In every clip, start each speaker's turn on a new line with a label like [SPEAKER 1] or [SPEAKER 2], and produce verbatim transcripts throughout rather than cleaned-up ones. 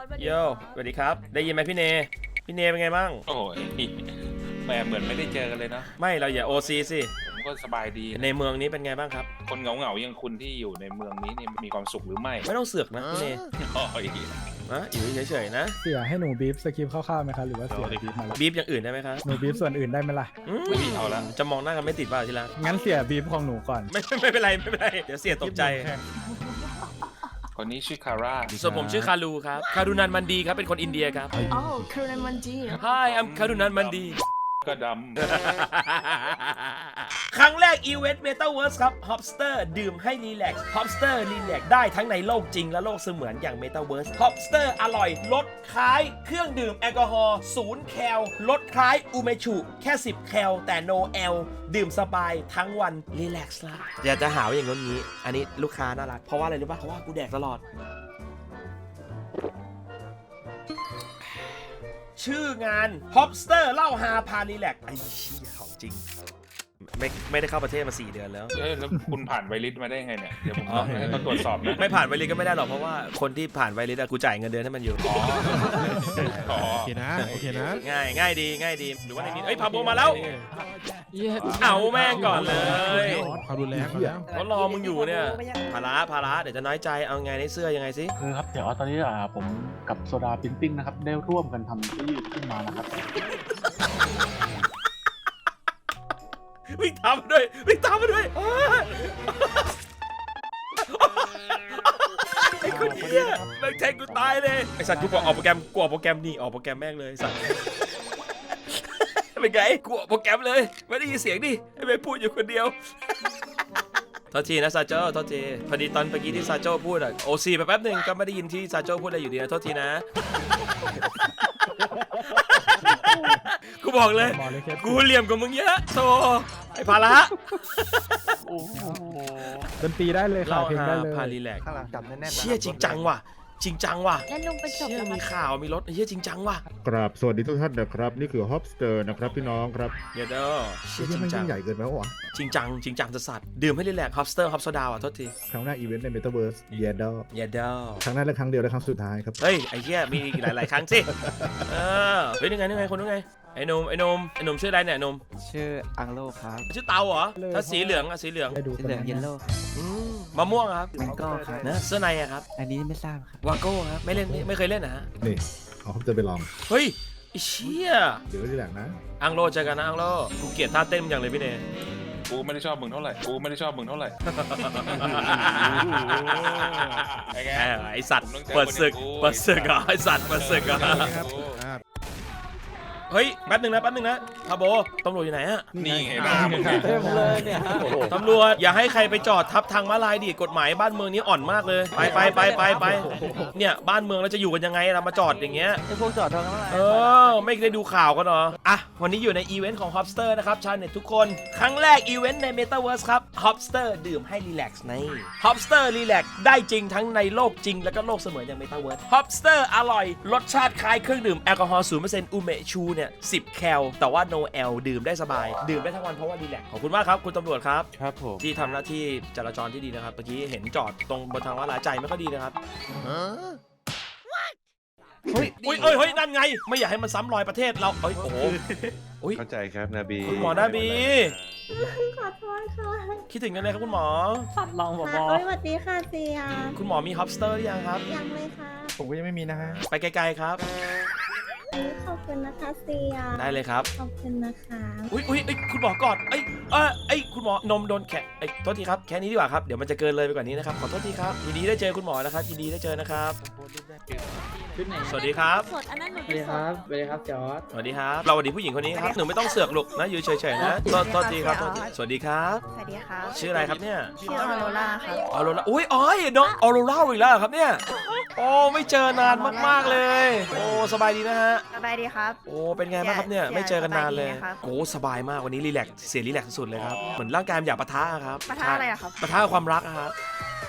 [SPEAKER 1] ร์ดสวัสดี
[SPEAKER 2] โย
[SPEAKER 1] ครับ
[SPEAKER 2] สวัสดีครับได้ยินไหมพี่เนพี่เนเป็นไงบ้าง
[SPEAKER 3] โอ้ยแหมเหมือนไม่ได้เจอกันเลยนะ
[SPEAKER 2] ไม่เราอย่าโอซีสิ
[SPEAKER 3] ผมก็สบายดี
[SPEAKER 2] ในเมืองนี้เป็นไงบ้างครับ
[SPEAKER 3] คนเหงาเหงาๆอย่างคุณที่อยู่ในเมืองนี้นี่มีความสุขหรือไม่
[SPEAKER 2] ไม่ต้องเสือกนะพี่เน
[SPEAKER 3] โอ้ย
[SPEAKER 2] นะอยู่เฉยๆนะ
[SPEAKER 4] เสียให้หนูบีฟสคริปต์คร่าวๆไหมคะหรือว่าเสียบีฟมาแล้ว
[SPEAKER 2] บีบอย่างอื่นได้ไหมครับ
[SPEAKER 4] หนูบีฟส่วนอื่นได้ไหมล่ะ
[SPEAKER 2] อืม
[SPEAKER 3] อุ๊ยเอาละ
[SPEAKER 2] จะมองหน้ากันไม่ติดเปล่าทีละ
[SPEAKER 4] งั้นเสียบีฟของหนูก่อน
[SPEAKER 2] ไม่ไม่ไม่เป็นไรไม่เป็นไรเดี๋ยวเสียตกใจ
[SPEAKER 3] คนนี้ชื่อคาร่า
[SPEAKER 2] ส่วนผมชื่อคารูครับคารุนันมันดีครับเป็นคนอินเดียครับ
[SPEAKER 1] อ๋อครูนันมันจี
[SPEAKER 2] Hi I'm คารุนันมันดี
[SPEAKER 3] ก็ด
[SPEAKER 2] ครั้งแรกอีเวนต์ Metaverse ครับ Hopster ดื่มให้รีแลกซ์ Hopster รีแลกซ์ได้ทั้งในโลกจริงและโลกเสมือนอย่าง Metaverse Hopster อร่อยลดคล้ายเครื่องดื่มแอลกอฮอล์ศูนย์แคลลดคล้ายอูเมชุแค่สิบแคลแต่ no แอลดื่มสบายทั้งวันรีแลกซ์ละอย่าจะหาว่าอย่างนี้ อันนี้ลูกค้าน่ารักเพราะว่าอะไรรู้ป่ะเพราะว่ากูแดกตลอด ชื่องาน Hopster เล่าฮาพารีแลกซ์ไอ้เชี่ยของจริง ไม่ไม่ได้เข้าประเทศมาสี่เดือนแล้ว
[SPEAKER 3] ำเอ้ยแล้วคุณผ่านไวริสมาได้ไงเนี่ย เดี๋ยวผมต้องให้เขาตรวจสอบนะ
[SPEAKER 2] ไม่ผ่านไวริสก็ไม่ได้หรอกเพราะว่าคนที่ผ่านไวริสอะกูจ่ายเงินเดือนให้มันอยู่
[SPEAKER 3] อ๋ออ๋อ
[SPEAKER 5] โอเคนะ โอเคนะ
[SPEAKER 2] ง่ายง่ายดีง่ายดีหรือว่าในนี้เอ้ยพาโบมาแล้ว เอาแม่งก่อนเลย
[SPEAKER 5] ความรุนแรงแล้ว
[SPEAKER 2] เขารอมึงอยู่เนี่ยภาระภาระเดี๋ยวจะน้อยใจเอาไงในเสื้อยังไงสิ
[SPEAKER 6] คือครับเดี๋ยวตอนนี้อ่าผมกับโซดาพิมพ์ปิ้งนะครับได้ร่วมกันทำที่ขึ้นมานะครับ
[SPEAKER 2] วิ่งตามมาด้วยวิ่งตามมาด้วยไอ้คนเหี้ยแม่งแทงกูตายเลยไอ้สัตว์กูบอกออกโปรแกรมกูออกโปรแกรมนี่ออกโปรแกรมแม่งเลยสัตว์เป็นไงกูออกโปรแกรมเลยไม่ได้ยินเสียงดิไอ้แม่งพูดอยู่คนเดียวโทษทีนะซาโจ้โทษทีพอดีตอนเมื่อกี้ที่ซาโจ้พูดอะโอซีไปแป๊บหนึ่งก็ไม่ได้ยินที่ซาโจ้พูดอะไรอยู่ดีนะโทษทีนะกูบอกเลย
[SPEAKER 4] หมอเลยแค่
[SPEAKER 2] กูเหลี่ยมกับมึงเยอะโธ่ไอ้ภาระ
[SPEAKER 4] ดนตรีได้เลยค่ะ
[SPEAKER 2] เล่า
[SPEAKER 4] เพลงได้
[SPEAKER 2] ฮา
[SPEAKER 4] เลย
[SPEAKER 2] พารีแลกซ์
[SPEAKER 7] ข้างหลังจับแน่นๆนะ
[SPEAKER 2] เชี่ยจริงจังว่ะจริงจังว่ะ
[SPEAKER 1] แล้วลุงไปจบ
[SPEAKER 2] เชี่ย
[SPEAKER 1] แล้ว
[SPEAKER 2] มีข่าวมีรถเชี่ยจริงจังว่ะ
[SPEAKER 8] กราบสวัสดีทุกท่านนะครับ นี่คือ Hopster นะครับพี่น้องครับ
[SPEAKER 2] เดี๋ยวเด้อเชี่ยจ
[SPEAKER 8] ที่
[SPEAKER 2] ริง
[SPEAKER 8] มัน
[SPEAKER 2] จัง
[SPEAKER 8] ยิ่งใหญ่เกินไปวะ
[SPEAKER 2] จริงจังจริงจังจะสัตว์ดื่มให้รีแลกซ์ฮอปสเตอร์ฮอปโซดาอ่ะโทษที
[SPEAKER 8] ครั้งหน้าอีเวนต์ใน Metaverse เยดอ
[SPEAKER 2] อย่าเด้อ
[SPEAKER 8] ครั้งหน้าและครั้งเดียวและครั้งสุดท้ายครับ
[SPEAKER 2] เฮ้ยไอ้เชี่ยมีอีกหลาย ๆ ครั้งสิเออเฮ้ยนี่ไงนี่ไงคนนู้นไงไอ้หนุ่มไอ้หนุ่มไอ้หนุ่มชื่ออะไรเนี่ยหนุ่ม
[SPEAKER 7] ชื่ออังโลครับ
[SPEAKER 2] ชื่อเตาเหรอถ้าสีเหลืองอะสีเหลือง
[SPEAKER 4] ให้ดู
[SPEAKER 7] ชื่อเหลืองเยลโล่
[SPEAKER 2] อืมมะม่วงอะครับ
[SPEAKER 7] แมงโก้ครับ
[SPEAKER 2] นะเสื้อในอะครับ
[SPEAKER 7] อันนี้ไม่ทราบครับ
[SPEAKER 2] วาโก้ครับไม่เล่นไม่ไม่เคยเล่นนะฮะ
[SPEAKER 8] นี่ เอา Hopster ไปลอง
[SPEAKER 2] เฮ้ยไอ้เชี่ย
[SPEAKER 8] เดี๋ยวที่แหลกนะ
[SPEAKER 2] อังโลเจอกันนะอังโลกูเกลียดท่าเต้นมึงอย่างเลยพี่เนย
[SPEAKER 3] กูไม่ได้ชอบมึงเท่าไหร่ กูไม่ได้ชอบมึงเท่าไหร่ไอ้แก
[SPEAKER 2] เออไอสัตว์เปิดศึกเปิดศึกเหรอไอสัตว์เปิดศึกเหรอ
[SPEAKER 5] ครับอ่า
[SPEAKER 2] เฮ้ยแป๊บหนึงนะแป๊บหนึงนะพาโบตำรวจอยู่ไหนอะ
[SPEAKER 3] นี่ไงบ้า
[SPEAKER 7] เต็มเลยเนี่ย
[SPEAKER 2] ตำรวจอย่าให้ใครไปจอดทับทางม้าลายดิกฎหมายบ้านเมืองนี้อ่อนมากเลยไปไปไปไปไปเนี่ยบ้านเมืองเราจะอยู่กันยังไงเรามาจอดอย่างเงี้ย
[SPEAKER 7] ไอ้พวกจอดทางนั้น
[SPEAKER 2] เออไม่ได้ดูข่าวกันเหรออ่ะวันนี้อยู่ในอีเวนต์ของ Hopster นะครับชาวเน็ตทุกคนครั้งแรกอีเวนต์ใน Metaverse ครับ Hopster ดื่มให้รีแลกซ์ใน Hopster รีแลกซ์ได้จริงทั้งในโลกจริงแล้วก็โลกเสมือนอย่าง Metaverse Hopster อร่อยรสชาติคล้ายเครื่องดื่มแอลกอฮอล์ ศูนย์เปอร์เซ็นต์ อูเมชูเนี่ยสิบแคลแต่ว่า no แอลดื่มได้สบาย ดื่มได้ทั้งวันเพราะว่ารีแลกซ์ขอบคุณมากครับคุณตำรวจครับ
[SPEAKER 5] ครับผม
[SPEAKER 2] ที่ทำหน้าที่จราจรที่ดีนะครับเมื่อกี้เห็นจอดตรงบนทางม้าลายใจไม่ค่อยดีนะครับเฮ้ยอุ้ยเอ้ยเฮ้ยนั่นไง ไม่อยากให้มันซ้ำรอยประเทศเราเอ้ยโอ้โหอุ้ย
[SPEAKER 5] เข้าใจครับนาบี
[SPEAKER 2] คุณหมอดาบี
[SPEAKER 9] ขอโทษค่ะ
[SPEAKER 2] คิดถึงกันเลยครับคุณหมอ
[SPEAKER 7] สัตว์ลองบอ
[SPEAKER 9] ค่ะสวัสดีค่ะเซีย
[SPEAKER 2] คุณหมอมีฮอปสเตอร์หรือยังครับ
[SPEAKER 9] ยังเลยค่ะ
[SPEAKER 5] ผมก็ยังไม่มีนะฮะ
[SPEAKER 2] ไปไกลๆครับ
[SPEAKER 9] ขอบคุณนะคะเซีย
[SPEAKER 2] ได้เลยครับ
[SPEAKER 9] ขอบคุณนะคะ
[SPEAKER 2] อุ้ยอุ้ยเอ้ยคุณหมอกอดเอ้ยเอ้ยเอ้ยคุณหมอนมโดนแขะเอ้ยโทษทีครับแค่นี้ดีกว่าครับเดี๋ยวมันจะเกินเลยไปกว่านี้นะครับขอโทษทีครับยินดีได้เจอคุณหมอนะครับยินดีได้เจอนะครับสวัสดีครับ
[SPEAKER 1] สดอันนั้นหนู
[SPEAKER 7] สวัสดีครับสวัสดีครับจอร์ด
[SPEAKER 2] สวัสดีครับเราสวัสดีผู้หญิงคนนี้ครับหนูไม่ต้องเสือกลูกนะอยู่เฉยๆนะโทษโทษทีครับโทษทีสวัสดีครับ
[SPEAKER 1] สวัสดีครับ
[SPEAKER 2] ชื่ออะไรครับเนี่ย
[SPEAKER 1] ชื่อออโรราครับ
[SPEAKER 2] ออโรราอุ้ยอ๋อยน้องออโรราอีกแล้วเหรอครับเนี่ยโอ้ไม่เจอนานมากๆเลยโอ้สบายดีนะฮะ
[SPEAKER 1] สบายดีครับ
[SPEAKER 2] โอ้เป็นไงบ้างครับเนี่ยไม่เจอกันนานเลย
[SPEAKER 1] สบายดีนะครับ
[SPEAKER 2] โอ้สบายมากวันนี้รีแลกซ์เสียรีแลกซ์สุดๆเลยครับเหมือนร่างกายมันอยากปะทะอะครับ
[SPEAKER 1] ปะทะอะไรอะครับ
[SPEAKER 2] ปะทะความรักอะครับ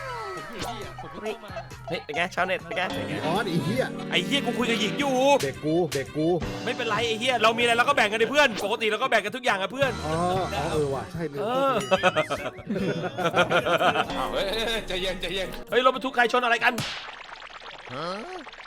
[SPEAKER 2] เฮ้ยเป็นไงชาวเน็ตเป็นไง
[SPEAKER 8] อ๋อไอ้เหี้ย
[SPEAKER 2] ไอ้เฮียกูคุยกับหญิงอยู่
[SPEAKER 8] เด็กกู เด็กกู
[SPEAKER 2] ไม่เป็นไรไอ้เฮียเรามีอะไรเราก็แบ่งกันดิเพื่อนปกติเราก็แบ่งกันทุกอย่างอะเพื่อน
[SPEAKER 8] อ๋ออ๋อเออว่ะ ใช่เลย
[SPEAKER 2] เออ
[SPEAKER 3] อ้าวเฮ้ยใจเย็นใจเย็น
[SPEAKER 2] เฮ้ยรถบรรทุกใครชนอะไรกัน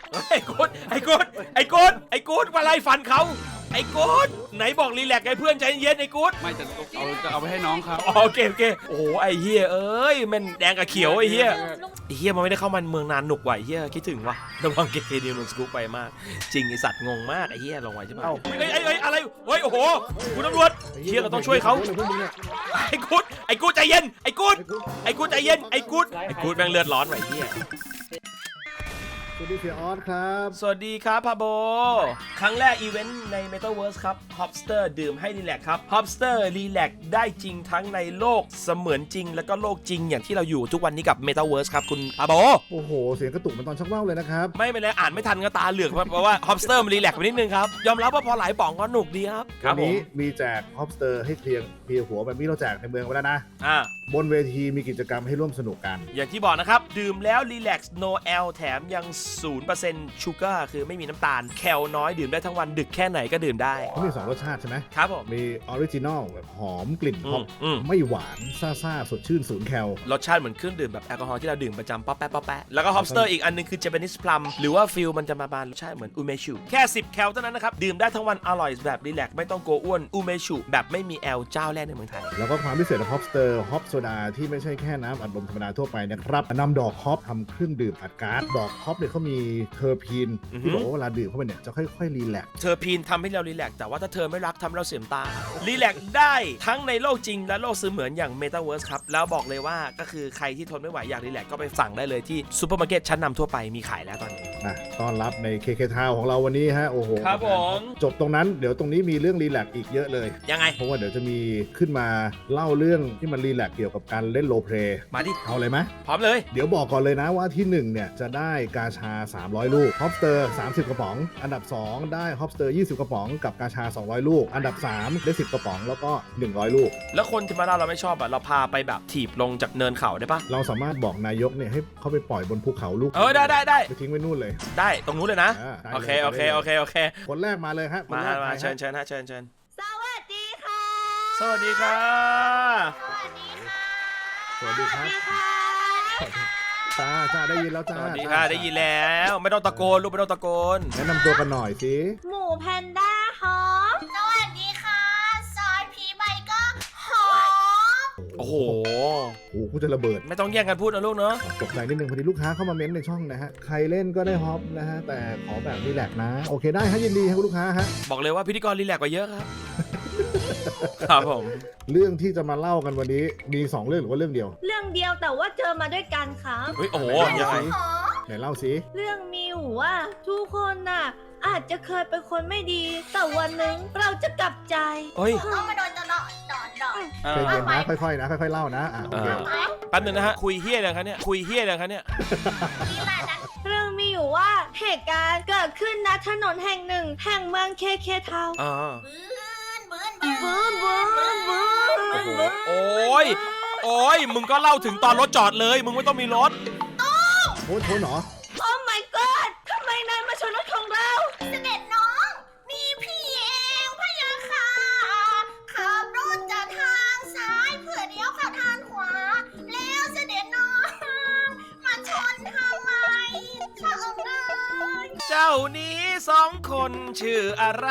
[SPEAKER 2] ไอ้กูดไอ้กูดไอ้กูดไอ้กูดมาไล่ฟันเขาไอ้กูดไหนบอกรีแลกซ์ไอ้เพื่อนใจเย็นไอ้กูด
[SPEAKER 10] ไม่จะเอาจะเอาไปให้น้องครับ
[SPEAKER 2] อ๋อโอเคโอเคโอ้โหไอ้เฮียเอ้ยมันแดงกับเขียวไอ้เฮียไอ้เฮียมันไม่ได้เข้ามาเมืองนานหนุกว่ะไอ้เฮียคิดถึงว่ะระวังเกเคดีมันสกู๊ปไปมากจริงไอ้สัตว์งงมากไอ้เฮียลงไว้ใช่ไหมไอ้ไอ้ไอ้อะไรเฮ้ยโอ้โหคุณตำรวจเฮียเราต้องช่วยเขาไอ้กูดไอ้กูดใจเย็นไอ้กูดไอ้กูดใจเย็นไอ้กูดไอ้กูดแม่งเลือดร้อนว่ะไอ้เฮีย
[SPEAKER 8] สวัสดีเสียออสครับ
[SPEAKER 2] สวัสดีครับพาโบ ครั้งแรกอีเวนต์ใน Metaverse ครับ Hopster ดื่มให้รีแลกซ์ครับ Hopster รีแลกซ์ได้จริงทั้งในโลกเสมือนจริง แล้วก็โลกจริงอย่างที่เราอยู่ทุกวันนี้กับ Metaverse ครับคุณพาโบ
[SPEAKER 8] โอ้โห เสียงกระตุกเหมันตอนชักว่าวเลยนะครับ
[SPEAKER 2] ไม่เป็นไรอ่านไม่ทันก็ตาเหลือกเพราะว่า Hopster มันรีแลกซ์ไปนิดนึงครับ ยอมรับว่าพอหลายป่องก็หนุกดีครับค
[SPEAKER 8] วั
[SPEAKER 2] รับ
[SPEAKER 8] น
[SPEAKER 2] ผม
[SPEAKER 8] นี้มีแจกฮอปสเตอร์ให้เคลียร์เคลียร์หัวแบบนี้เราแจกในเมืองไปแล้วนะ
[SPEAKER 2] อ่า
[SPEAKER 8] บนเวทีมีกิจกรรมให้ร่วมสนุกกัน
[SPEAKER 2] อย่างที่บอกนะครับ ดื่มแล้วรีแลกซ์ no แอล แถมยัง ศูนย์เปอร์เซ็นต์ ชูการ์คือไม่มีน้ำตาลแคลน้อยดื่มได้ทั้งวันดึกแค่ไหนก็ดื่มได้
[SPEAKER 8] เขามีสองรสชาติใช่ไหม
[SPEAKER 2] ครับผม
[SPEAKER 8] มีออริจินอลแบบหอมกลิ่น
[SPEAKER 2] อื
[SPEAKER 8] ฮอ
[SPEAKER 2] ม
[SPEAKER 8] ป
[SPEAKER 2] อืม
[SPEAKER 8] ไม่หวานซ่าซ่าๆสดชื่นศูนย์แคล
[SPEAKER 2] รสชาติเหมือนเครื่องดื่มแบบแอลกอฮอล์ที่เราดื่มประจำป๊อปแป๊ะป๊อปแป๊ะแล้วก็ Hopster อีกอันนึงคือ Japanese Plum หรือว่าฟิลมันจะมาบานรสชาติเหมือนอูเมชูแค่สิบแคลเท่านั้นนะครับ ดื่มได้ทั้งวันอร่อยแบบรีแลกซ์ไม่ต้องกลัวอ้วนอูเมชูแบบไม่มีแอลเจ้าแรกในเมืองไทย
[SPEAKER 8] แล้วก็ความพิเศษของฮอปสเตอร์ฮอปโซดาที่ไม่ใช่แค่น้ำอัดลมธรรมดาทั่วไปนะครับนำดอกฮอปทำเครื่องดื่มอัดก๊าซดอกฮอปเนี่ยเขามีเทอร์พีน
[SPEAKER 2] อือฮึ
[SPEAKER 8] ที่บอกว่าเวลาดื่มเข้าไปเนี่ยจะค่อยๆรีแลกซ์
[SPEAKER 2] เธอพีนทำให้เรารีแลกซ์แต่ว่าถ้าเธอไม่รักทำให้เราเสียมตารีแลกซ์ได้ทั้งในโลกจริงและโลกเสมือนอย่าง Metaverse ครับแล้วบอกเลยว่าก็คือใครที่ทนไม่ไหวอยากรีแลกซ์ก็ไปสั่งได้เลยที่ซูเปอร์มาร์เก็ตชั้นนำทั่วไปมีขายแล้วตอนนี้
[SPEAKER 8] นะต้อนรับใน เค เค Town ของเราวันนี้ฮะโอ้โห
[SPEAKER 2] ครับผม
[SPEAKER 8] จบตรงนั้นเดี๋ยวตรงนี้มีเรื่องรีแลกซ์อีกเยอะเลย
[SPEAKER 2] ยังไง
[SPEAKER 8] เพราะว่าเดี๋ยวจะมีขึ้นมาเล่าเรื่องที่มันรีแลกซ์เกี่ยวกับการเล่นโรลเพลย์
[SPEAKER 2] มาดิ
[SPEAKER 8] เอาเลยไหม
[SPEAKER 2] พร้อมเลย
[SPEAKER 8] เดี๋ยวบอกก่อนเลยนะว่าที่หนึ่งเนี่ยจะได้กาชาสามร้อยลูกฮอปสเตอร์สามสิบกระป๋อง อันดับสองได้ฮอปสเตอร์ยี่สิบกระป๋องกับกาชาสองร้อยลูก อันดับสามได้สิบกระป๋องแล้วก็หนึ่งร้อยลูก
[SPEAKER 2] แล้วคนที่มาเราเราไม่ชอบอ่ะเราพาไปแบบถีบลงจากเนินเขาได้ปะ
[SPEAKER 8] เราสามารถบอกนายกเนี่ยให้เขาไปปล่อยบนภูเขาลูก
[SPEAKER 2] เออได้ได้ได้
[SPEAKER 8] ไปทิ้งไว้นู่นเลย
[SPEAKER 2] ได้ตรงนู้นเลยนะ
[SPEAKER 8] อ่าได้
[SPEAKER 2] โอเค
[SPEAKER 8] เลย
[SPEAKER 2] โอเค
[SPEAKER 8] ได้เลย
[SPEAKER 2] โอเคโอเค
[SPEAKER 8] คนแรกมาเลยฮะคน
[SPEAKER 2] มา
[SPEAKER 8] แรก
[SPEAKER 2] มา
[SPEAKER 8] ใครฮะ
[SPEAKER 2] เชิญเชิญฮะเชิญเชิญ
[SPEAKER 9] สวัสดีค่ะ
[SPEAKER 2] สวัสดีค่ะ
[SPEAKER 9] สวัสดีค่ะ
[SPEAKER 8] สวัสดีครับจ้าจ้าได้ยินแล้ว
[SPEAKER 2] ส
[SPEAKER 8] จ้า
[SPEAKER 2] วัสดีค่ะได้ยินแล้วไม่ต้องตะโกนลูกไม่ต้องตะโกน
[SPEAKER 8] แนะนำตัวกันหน่อยสิ
[SPEAKER 9] หมูแพนด้าหอม สวัสดีค่ะ ซอยพีใบก็หอม
[SPEAKER 2] โอ้โห
[SPEAKER 8] โอ้โหกูจะระเบิด
[SPEAKER 2] ไม่ต้องแย่งกันพูดนะลูกเนาะ
[SPEAKER 8] ตกใจนิดนึงพอดีลูกค้าเข้ามาเม้นในช่องนะฮะ ใครเล่นก็ได้ฮอปนะฮะ แต่ขอแบบรีแลกซ์นะ โอเคได้ฮะยินดีครับคุณลูกค้าฮะ
[SPEAKER 2] บอกเลยว่าพิธีกรรีแลกซ์กว่าเยอะครับ ครับผม
[SPEAKER 8] เรื่องที่จะมาเล่ากันวันนี้มีสองเรื่องหรือว่าเรื่องเดียว
[SPEAKER 9] เรื่องเดียวแต่ว่าเจอมาด้วยกันครับ
[SPEAKER 2] เฮ้ยโอ้โห
[SPEAKER 8] ไหน
[SPEAKER 2] ยังไง
[SPEAKER 8] สิไหนเล่าสิ
[SPEAKER 9] เรื่องมีอยู่ว่าทุกคนน่ะ อาจจะเคยเป็นคนไม่ดี แต่วันหนึ่งเราจะกลับใจ
[SPEAKER 2] เฮ้ย
[SPEAKER 9] ต้องมาโดนจะเนาะดอดดอด
[SPEAKER 2] เอ
[SPEAKER 8] ใจ
[SPEAKER 2] อ
[SPEAKER 8] เย็นนะค่อยๆนะค่อยๆเล่านะอ่ะโอเค
[SPEAKER 2] แป๊บนึงนะฮะคุยเฮี้ยอะไรครับเนี่ยคุยเฮี้ยอะไรครับเนี่ย
[SPEAKER 9] เรื่องมีอยู่ว่าเหตุการณ์เกิดขึ้นณถนนแห่งหนึ่ง แห่งเมืองเคเคทาวน์
[SPEAKER 2] อ่า
[SPEAKER 9] บื้นบื้นบื้นบื้นบื้น
[SPEAKER 2] โอ้โหโอ้ยโอ้ยมึงก็เล่าถึงตอนรถจอดเลยมึงไม่ต้องมีรถ
[SPEAKER 8] โอ้ยโทษเหรอ
[SPEAKER 9] โอ้ my god ทำไมนายมาชนรถของเรา เสด็จน้อง มีพี่เองพะยะค่ะขับรถจากทางซ้ายเพื่อเลี้ยวเข้าทางขวา แล้วเสด็จน้อง มาชนทำไมชอบเลย
[SPEAKER 2] เจ้านี้สองคนชื่ออะไร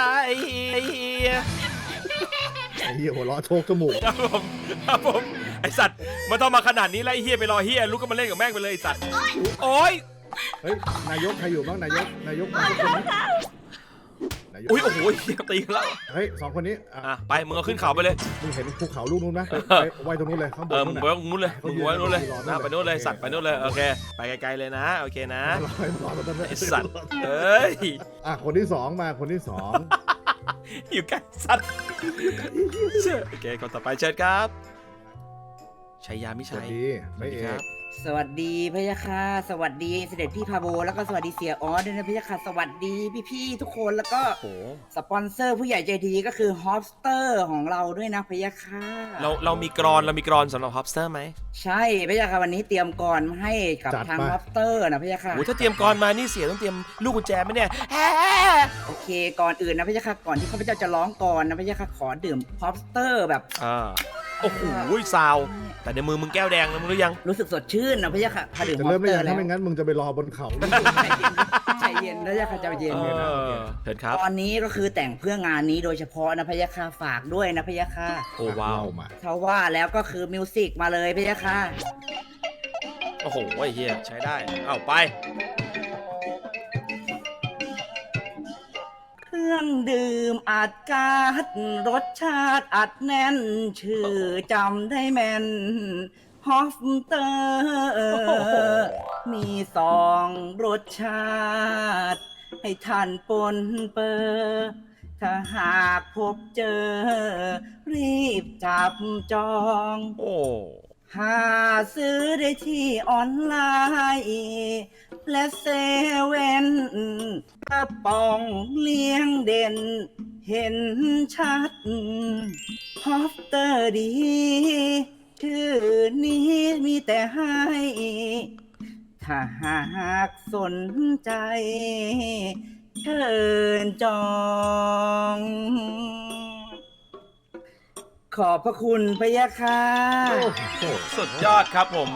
[SPEAKER 8] ไอ้เหี้ยหัวเราะโชกจมูก
[SPEAKER 2] ครับผมครับผมไอสัตว์มันต้องมาขนาดนี้แล้วไอเฮียไปรอเฮียลุกก็มาเล่นกับแม่งไปเลยไอสัตว์โอ้ย
[SPEAKER 8] เฮ้ยนายกใครอยู่บ้างนายกนายกมาทุกคนไหมนายก
[SPEAKER 2] อุ้ยโอ้โหเฮียตีกันแล้ว
[SPEAKER 8] เฮ้ยสองคนนี้อ่ะ
[SPEAKER 2] อ่ะไปมึงเอาขึ้นเขาไปเลย
[SPEAKER 8] มึงเห็นภูเขาลูกนู้นไหมไปไปไว้ตรงนู้นเลยข้างบ
[SPEAKER 2] เอน อมึ
[SPEAKER 8] นู้
[SPEAKER 2] ง
[SPEAKER 8] น
[SPEAKER 2] ไป
[SPEAKER 8] น่ะ
[SPEAKER 2] ตรงนู้นเลยมึงไว้ตรงนู้นเลยนะไปนู้นเลยสัตว์ไปนู้นเลยโอเคไปไกลๆเลยนะโอเคนะ
[SPEAKER 8] รอให้รอตรงนั้นเลย
[SPEAKER 2] ไอสัตว์เอ้ย
[SPEAKER 8] อ่ะคนที่สองมาคนที่สอง
[SPEAKER 2] อยู่ใกล้สัตว์เชื่อโอเคคนต่อไปเชิญครับชัยยามิ
[SPEAKER 8] ส
[SPEAKER 2] ชั
[SPEAKER 8] วัส
[SPEAKER 2] ย
[SPEAKER 8] ดีไม่เอ
[SPEAKER 2] ครั
[SPEAKER 8] ก
[SPEAKER 2] บ
[SPEAKER 7] สวัสดีพะยะค่ะสวัสดีเสด็จพี่พาโบ แล้วก็สวัสดีเสียออสด้วยนะพะยะค่ะสวัสดีพี่ๆทุกคนแล้วก็
[SPEAKER 2] โอ้โห
[SPEAKER 7] สปอนเซอร์ผู้ใหญ่ใจดีก็คือฮอปสเตอร์ของเราด้วยนะพะยะค่ะ
[SPEAKER 2] เราเรามีกรอนเรามีกรอนสำหรับฮอปสเตอร์ไหม
[SPEAKER 7] ใช่พะยะค่ะวันนี้เตรียมก่อนมาให้กับทางฮอปสเตอร์นะพะยะค่ะ
[SPEAKER 2] โอ้ถ้าเตรียมกรมานี่เสียต้องเตรียมลูกกุญแจไหมเนี่ยแฮ่
[SPEAKER 7] โอเคก่อนอื่นนะพะยะค่ะก่อนที่ข้าพเจ้าจะร้องก่อนนะพะยะค่ะขอดื่มฮอปสเตอร์แบบ
[SPEAKER 2] อ่าโอ้โหซาว
[SPEAKER 7] อ
[SPEAKER 2] แต่ในมือมึงแก้วแดงนะมึงรู้ยัง
[SPEAKER 7] รู้สึกสดชื่นนะพะยะค่ะพอดื่ม
[SPEAKER 8] จะ
[SPEAKER 7] ฮอ
[SPEAKER 8] เริ่
[SPEAKER 7] ป
[SPEAKER 8] ม
[SPEAKER 7] ส
[SPEAKER 8] ได้
[SPEAKER 7] เตอ
[SPEAKER 8] ยัง
[SPEAKER 7] ร์แล้
[SPEAKER 8] ถ้าว ไม่งั้นมึงจะไปรอบนเขา
[SPEAKER 7] ใจเย็นพะยะค่ะใจเย็น
[SPEAKER 2] เออเชิญครับ
[SPEAKER 7] ตอนนี้ก็คือแต่งเพื่องานนี้โดยเฉพาะนะพะยะค่ะฝากด้วยนะพะยะค่ะ
[SPEAKER 2] โอ้ว้าว
[SPEAKER 8] มา
[SPEAKER 7] เขาว่าแล้วก็คือมิวสิกมาเลยพะยะค่ะ
[SPEAKER 2] โอ้โหไอ้เฮียใช้ได้เอาไป
[SPEAKER 7] เครื่องดื่มอัดก๊าซรสชาติอัดแน่น ชื่อจำได้แม่นฮอฟเตอร์มีสองรสชาติ ให้ท่านปนเปอร์ถ้าหากพบเจอ รีบจับจอง
[SPEAKER 2] โอ้
[SPEAKER 7] หาซื้อได้ที่ออนไลน์และเซเว่นกระป๋องเลี้ยงเด่น เห็นชัดฮอฟเตอร์ดี ชื่อนี้มีแต่ให้ ถ้าหากสนใจ เชิญจอง ขอบพระคุณพะยะค่ะ
[SPEAKER 2] สุดยอดครับผม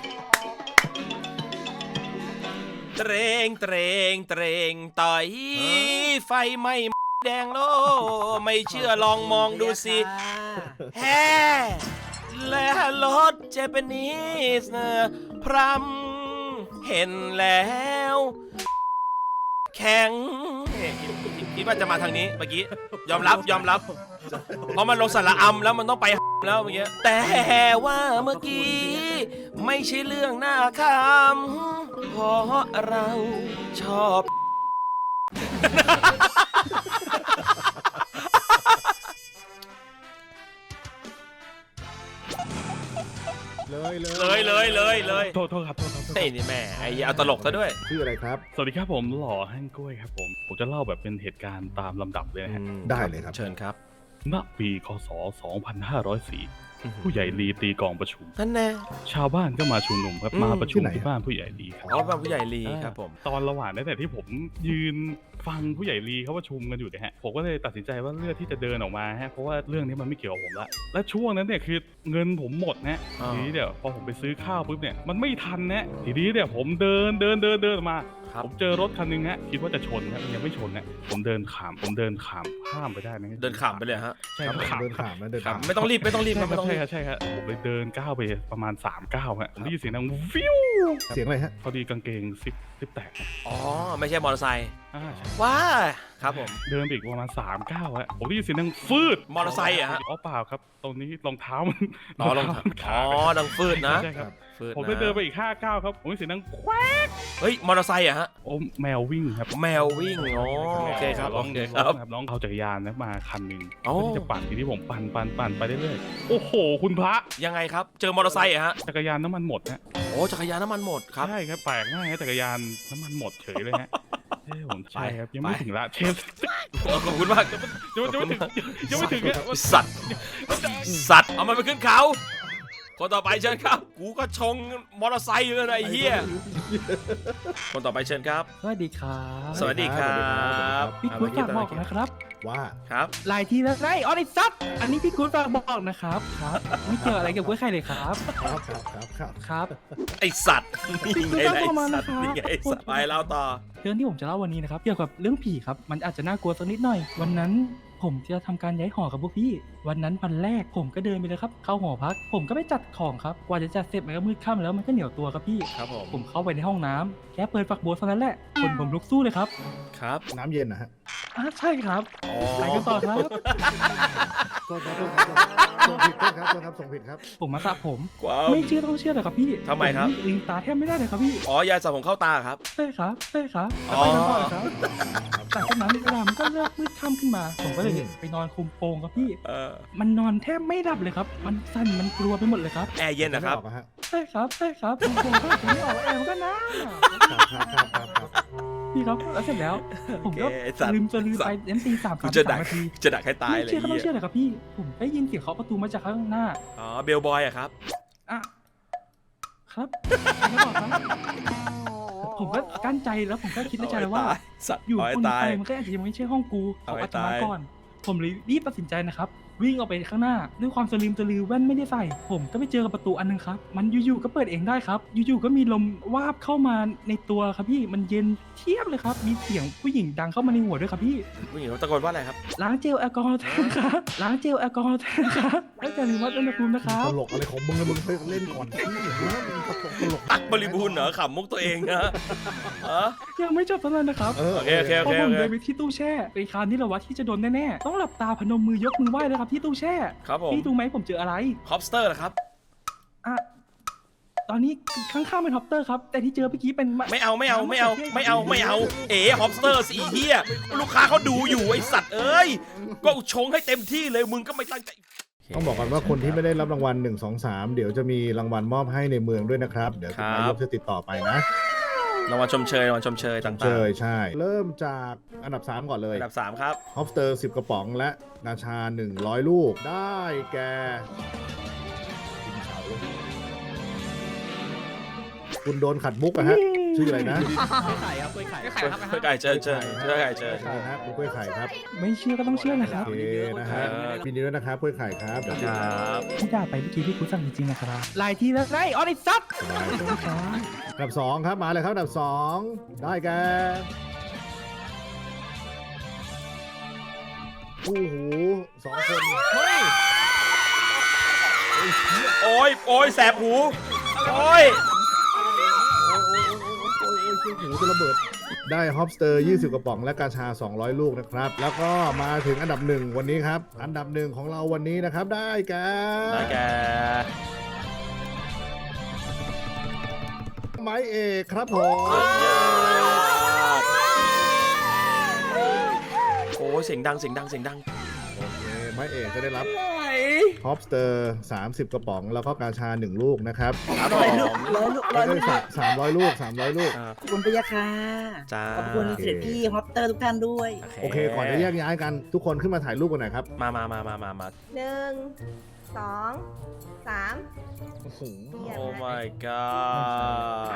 [SPEAKER 2] เตรงเตรงเตรงต่อยไฟไหม้แดงโลไม่เชื่อลองมองดูสิแฮ่และรถเจแปนิสพรำเห็นแล้ว แข็งคิดว่าจะมาทางนี้เมื่อกี้ยอมรับยอมรับเพราะมันลงสระอัมแล้วมันต้องไปแล้วเมื่อกี้แต่ว่าเมื่อกี้ไม่ใช่เรื่องน่าขำเพราะเราชอบ
[SPEAKER 8] เลยเลย
[SPEAKER 2] เลยเลยเลยเลย
[SPEAKER 10] โทษโทษครับโทษครับโทษ
[SPEAKER 2] เฮ้ยนี่แม่ไอ้เอาตลกซะด้วย
[SPEAKER 8] ชื่ออะไรครับ
[SPEAKER 10] สวัสดีครับผมหล่อแห้งกล้วยครับผม ผมจะเล่าแบบเป็นเหตุการณ์ตามลำดับเลยนะฮะ
[SPEAKER 8] ได้เลยครับ
[SPEAKER 2] เชิญครับ
[SPEAKER 10] ณ ปีคศ สองพันห้าร้อยสี่ ผู้ใหญ่ลีตีกองประชุม
[SPEAKER 2] นั่นแน่
[SPEAKER 10] ชาวบ้านก็มาชุมนุมครับ
[SPEAKER 2] อืม
[SPEAKER 10] มาประชุม
[SPEAKER 8] ที่ไหน
[SPEAKER 10] ที่บ้านผู้ใหญ่ลีครับ
[SPEAKER 2] อ๋อบ้านผู้ใหญ่ลีครับผม
[SPEAKER 10] ตอนระหว่างนั้นแต่ที่ผมยืนฟังผู้ใหญ่ลีเขาประชุมกันอยู่เนี่ยฮะผมก็เลยตัดสินใจว่าเลือกที่จะเดินออกมาฮะเพราะว่าเรื่องนี้มันไม่เกี่ยวกับผมละและช่วงนั้นเนี่ยคือเงินผมหมดนะ
[SPEAKER 2] อ่า
[SPEAKER 10] ทีนี้เดี๋ยวพอผมไปซื้อข้าวปุ๊บเนี่ยมันไม่ทันนะทีนี้เนี่ยผมเดินเดินเดินเดินออกมา
[SPEAKER 2] ครับ
[SPEAKER 10] ผมเจอรถคันหนึงฮะคิดว่าจะชนครับมันยังไม่ชนนะผมเดินขามผมเดินขามข้ามไปได้นะ
[SPEAKER 2] เดินขำไปเลยฮะ
[SPEAKER 10] ใช่ครับขาม
[SPEAKER 8] เดินขามนะเดิน
[SPEAKER 2] ครับ
[SPEAKER 8] ขาม
[SPEAKER 2] ไม่ต้องรีบไม่ต้องรีบ
[SPEAKER 10] ใช่
[SPEAKER 2] ครับ
[SPEAKER 10] ครั
[SPEAKER 2] ไม่
[SPEAKER 10] บ
[SPEAKER 2] ต้อง
[SPEAKER 10] ใช่
[SPEAKER 2] รี
[SPEAKER 10] ครับ
[SPEAKER 2] บ
[SPEAKER 10] ใช่ครับผมไปเดินก้าวไปประมาณสามก้าวฮะผมได้ยินเสียงดังวิว
[SPEAKER 8] เสียงอะไรฮะ
[SPEAKER 10] พอดีกางเกงซิปซิปแตกฮะ
[SPEAKER 2] อ๋อไม่ใช่มอเตอร์ไซค์
[SPEAKER 10] อ่าใช่
[SPEAKER 2] ว้าครับผม
[SPEAKER 10] เดินไปอีกประมาณสามก้าวฮะผมได้ยินเสียงดังฟืด
[SPEAKER 2] มอเตอร์ไซค์อะฮะ
[SPEAKER 10] อ๋อเปล่าครับ ตรงนี้รองเท้ามัน
[SPEAKER 2] อ๋อลง
[SPEAKER 10] เท้ามัน
[SPEAKER 2] อ๋
[SPEAKER 10] ขา
[SPEAKER 2] อ
[SPEAKER 10] ด
[SPEAKER 2] ดังฟืดนะ
[SPEAKER 10] ใช่ครับ
[SPEAKER 2] ฟืด
[SPEAKER 10] ผม
[SPEAKER 2] นะ
[SPEAKER 10] ได้เดินไปอีกห้าก้าวครับผมได้ยินเสียงดังแควก
[SPEAKER 2] เฮ้ยมอเตอร์ไซค์อะฮะ
[SPEAKER 10] โอ้แมววิ่งครับ
[SPEAKER 2] แมววิ่งอ๋อโอเคครับ
[SPEAKER 10] น้
[SPEAKER 2] โอ
[SPEAKER 10] อง
[SPEAKER 2] เคครับ
[SPEAKER 10] น้องเอาจักรยานนะมาคันหนึ่ง
[SPEAKER 2] อ๋อ
[SPEAKER 10] เพื่อที่จะปั่นทีนี้ผมปั่นปั่นปั่นไปเรื่อยๆโอ้โห คุณพระ
[SPEAKER 2] ยังไงครับ เจอมอเตอร์ไซค์อะฮะ
[SPEAKER 10] จักรยานน้ำมันหมดฮะ
[SPEAKER 2] โอ้จักรยานน้ำมันหมดครับ
[SPEAKER 10] ใช่ครับแปลกมากฮะจักรยานน้ำมันหมดเฉยเลยฮะเอ้ยผมใช่ครับยังไม่
[SPEAKER 2] ไป
[SPEAKER 10] ถึงละเชฟ
[SPEAKER 2] ขอบคุณมาก
[SPEAKER 10] ยังไม่ถึงยังไม่ถึงฮะ
[SPEAKER 2] สัตว์สัตว์เอามันไปขึ้นเขาคนต่อไปเชิญครับ กูก็ชงมอเตอร์ไซค์อยู่เลยนะไอ้เหี้ยคนต่อไปเชิญครับ
[SPEAKER 4] สวัสดีครับ
[SPEAKER 2] สวัสดีครับ
[SPEAKER 4] พี่คุณฝากบอกนะครับ
[SPEAKER 8] ว่า
[SPEAKER 2] ครับ
[SPEAKER 4] หลายทีแล้วไอ้ออนิซับอันนี้พี่คุณฝากบอกนะครับครับไม่เกี่ยวอะไรกับกล้วยไข่เลยครับ
[SPEAKER 8] ครับครับครับครับ
[SPEAKER 4] ครับ
[SPEAKER 2] ไอสัตว์นี่ไง
[SPEAKER 4] คุณ
[SPEAKER 2] ไอ
[SPEAKER 4] ต้องเข้ามา
[SPEAKER 2] สั
[SPEAKER 4] นะ
[SPEAKER 2] ตว์
[SPEAKER 4] ครับ
[SPEAKER 2] นี่ไงไอสัตว์ไปเล่าต่อ
[SPEAKER 4] เรื่องที่ผมจะเล่าวันนี้นะครับเกี่ยวกับเรื่องผีครับมันอาจจะน่ากลัวสักนิดหน่อย วันนั้นผมจะทำการย้ายหอกับพวกพี่ วันนั้นวันแรกผมก็เดินไปเลยครับเข้าหอพัก ผมก็ไปจัดของครับกว่าจะจัดเสร็จมันก็มืดค่ำแล้วมันก็เหนียวตัวครับพี่
[SPEAKER 2] ครับผม
[SPEAKER 4] ผมเข้าไปในห้องน้ำแค่เปิดฝักบัวเท่านั้นแหละคนผมลุกสู้เลยครับ
[SPEAKER 2] ครับ
[SPEAKER 8] น้ำเย็นนะฮะ
[SPEAKER 4] อ่ะใช่ครับ
[SPEAKER 2] อ๋อ
[SPEAKER 4] ไปกันต่อครับ
[SPEAKER 8] โทษครับโทษครับส่งผิดโทษครับโทษครับส่งผิดครับ
[SPEAKER 4] ผมมาสระผม
[SPEAKER 2] กว้าว
[SPEAKER 4] ไม่เชื่อต้องเชื่อเลยครับพี่
[SPEAKER 2] ทำไมครับ
[SPEAKER 4] ผลิงตาแทบไม่ได้เลยครับพี่
[SPEAKER 2] อ๋อยาสระผมเข้าตาครับ
[SPEAKER 4] ใช่ครับใช่ครับ
[SPEAKER 2] อ๋
[SPEAKER 4] แล้ว
[SPEAKER 2] อ
[SPEAKER 4] ไปกันต่อเลยครับจากนั้นเวลามันก็เริ่มมืดค่ำขึ้นมา ผมก็เลยไปนอนคุมโปงครับพี่
[SPEAKER 2] เออ
[SPEAKER 4] มันนอนแทบไม่หลับเลยครับ มันสั่นมันกลัวไปหมดเลยครับ
[SPEAKER 2] แอร์เย็นนะครับ
[SPEAKER 8] ไม่ออกอะฮะ
[SPEAKER 4] ใช่ครับใช่ครับผมผมก็ผมไม่ออกแอร์มันก็นะครับ
[SPEAKER 8] ครับครับครับครับ
[SPEAKER 4] พี่ครับแล้วเสร็จแล้ว ผมก็
[SPEAKER 2] โอเคไอ้สัตว์
[SPEAKER 4] ลืมจะลืมไปเอ็มตีสาม
[SPEAKER 2] กู
[SPEAKER 4] สาม
[SPEAKER 2] จะ
[SPEAKER 4] สา
[SPEAKER 2] ดั
[SPEAKER 4] ม
[SPEAKER 2] ก
[SPEAKER 4] นาที
[SPEAKER 2] จะดักให้ตาย
[SPEAKER 4] ไม่
[SPEAKER 2] เลย
[SPEAKER 4] เชื่อก็ต้อง
[SPEAKER 2] เหี้ย
[SPEAKER 4] เชื่อเลยครับพี่ ผมได้ยินเสียงเคาะประตูมาจากข้างหน้า
[SPEAKER 2] อ๋อเบลบอยอะครับ
[SPEAKER 4] อ่ะครับแล้วบอกครับ ผมก็กั้นใจแล้วผมก็คิดในใจแล้วว่า
[SPEAKER 2] สัตว์
[SPEAKER 4] อยู่
[SPEAKER 2] เอาให้
[SPEAKER 4] คน
[SPEAKER 2] ตาย
[SPEAKER 4] ไปมันก็อาจจะยังไม่ใช่ห้องกูข
[SPEAKER 2] เอา
[SPEAKER 4] อ
[SPEAKER 2] ให้
[SPEAKER 4] อัตมา
[SPEAKER 2] ตาย
[SPEAKER 4] ก่อน ผมเลยรีบตัดสินใจนะครับวิ่งออกไปข้างหน้าด้วยความสลิมสลือแว่นไม่ได้ใส่ผมก็ไปเจอกับประตูอันนึงครับมันอยู่ๆก็เปิดเองได้ครับอยู่ๆก็มีลมวาบเข้ามาในตัวครับพี่มันเย็นเทียบเลยครับมีเสียงผู้หญิงดังเข้ามาในหัวด้วยครับพี่
[SPEAKER 2] ผู้หญิงเขาตะโกนว่าอะไรครับ
[SPEAKER 4] ล้างเจลแอลกอฮอล์แทนครับล้างเจลแอลกอฮอล์แทนครับแล้วแต่ลืมวัดอุณหภูมินะครับ
[SPEAKER 8] ตลกอะไรของมึงนะมึงไปเล่นก่อนที่นะมึงตลกตลก
[SPEAKER 2] ตักบริบูรณ์เหรอขำมุกตัวเองนะฮะ
[SPEAKER 4] ยังไม่จบเท่านั้นนะครับ
[SPEAKER 8] เออ
[SPEAKER 2] โอเคโอเคโอ
[SPEAKER 4] พอ
[SPEAKER 2] เค
[SPEAKER 4] ผม
[SPEAKER 2] โอเค
[SPEAKER 4] เดินไปที่ตู้แช่เป็นคราวนี้แหละวะที่จะโดนแน่ๆต้องหลับตาพนมมือยกมือไหว้เลยครับที่ตู้แช่
[SPEAKER 2] ครับผม
[SPEAKER 4] พี่ดูไหมผมเจออะไร
[SPEAKER 2] ฮอปสเตอร์นะครับ
[SPEAKER 4] อ่ะตอนนี้ข้างๆเป็นฮอปเตอร์ครับแต่ที่เจอเมื่อกี้เป็น
[SPEAKER 2] ไม่เอาไม่เอาไม่เอาไม่เอาไม่เอาเอ๋ฮอปสเตอร์สีเฮียลูกค้าเขาดูอยู่ไอสัตว์เอ้ยก็ชงให้เต็มที่เลยมึงก็ไม่ตั้งใจ
[SPEAKER 8] ต้องบอกกันว่าคนที่ไม่ได้รับรางวัลหนึ่ง สอง สามเดี๋ยวจะมีรางวัลมอบให้ในเมืองด้วยนะครับเดี๋ยว
[SPEAKER 2] ครับ
[SPEAKER 8] นายกจะติดต่อไปนะ
[SPEAKER 2] รางวัลชมเชยรางวัลชมเชยต่างๆ
[SPEAKER 8] เจอใช่ เริ่มจากอันดับสามก่อนเลย
[SPEAKER 2] อันดับสามครับ
[SPEAKER 8] ฮอปสเตอร์สิบกระป๋องและกาชาหนึ่งร้อยลูกได้แก่คุณโดนขัดมุกอะฮะชื่ออะไรนะ
[SPEAKER 2] ไข่ครับไข่ครับไข่เจอเจอเจอไข่เจอ
[SPEAKER 8] ใช่ครับคุณกล้วยไข่ครับ
[SPEAKER 4] ไม่เชื่อก็ต้องเชื่อนะครับ
[SPEAKER 8] โอเคนะฮะปีนี้ด้วยนะครับกล้วยไข่ครับเดี๋ยว
[SPEAKER 2] ครับ
[SPEAKER 4] ที่ด่าไปเมื่อกี้พี่คุณสั่งจริงๆนะครับหลายทีแล้วไงออนิซับ
[SPEAKER 8] สบายอันดับสองครับมาเลยครับอันดับสองได้แก่คู่หูสองคนเฮ้ย
[SPEAKER 2] โอ้ยโอ้ยแสบหูโอ้ย
[SPEAKER 8] หูจะระเบิดได้ฮอปสเตอร์ยี่สิบกระป๋องและกาชาสองร้อยลูกนะครับ แล้วก็มาถึงอันดับหนึ่งวันนี้ครับ อันดับหนึ่งของเราวันนี้นะครับได้แก่
[SPEAKER 2] ได้แก
[SPEAKER 8] ไม้เอกครับผม
[SPEAKER 2] โอ้ยเสียงดังเสียงดังเสียงดัง
[SPEAKER 8] โอเคไม้เอกจะได้รับฮอปสเตอร์สามสิบกระป๋องแล้วก็กาชาหนึ่งลูกนะครับ
[SPEAKER 2] ครับผ
[SPEAKER 7] ร้อยลูก
[SPEAKER 2] ม
[SPEAKER 7] ร้อยลูกร้อยลูก
[SPEAKER 8] สามร้อยลูกสามร้อยลูก
[SPEAKER 2] อ่า
[SPEAKER 7] ขอบคุณพยาค่ะ
[SPEAKER 2] จ้า
[SPEAKER 7] ขอบคุณเสด็จพี่ฮอปเตอร์ทุกท่านด้วย
[SPEAKER 8] โอเคก่อนจะแยกย้ายกันทุกคนขึ้นมาถ่ายรูปกันหน่อยครับ
[SPEAKER 2] มามามามามามา
[SPEAKER 9] หนึ่งสองสาม
[SPEAKER 8] โอ้โห
[SPEAKER 9] เยี่ยม
[SPEAKER 2] โอ้
[SPEAKER 9] นะ
[SPEAKER 2] my god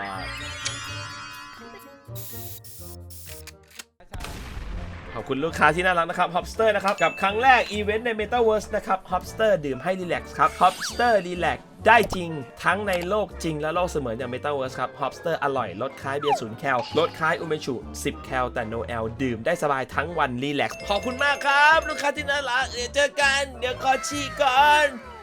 [SPEAKER 2] ขอบคุณลูกค้าที่น่ารักนะครับ Hopster นะครับ กับครั้งแรกอีเวนต์ใน Metaverse นะครับ Hopster ดื่มให้รีแลกซ์ครับ Hopster รีแลกซ์ได้จริงทั้งในโลกจริงและโลกเสมือนอย่าง Metaverse ครับ Hopster อร่อยลดคล้ายเบียร์ศูนย์แคลลดคล้ายอุเมชุสิบแคลแต่ no แอลดื่มได้สบายทั้งวันรีแลกซ์ขอบคุณมากครับ ลูกค้าที่น่ารักเดี๋ยวเจอกัน เดี๋ยวขอฉี่ก่อน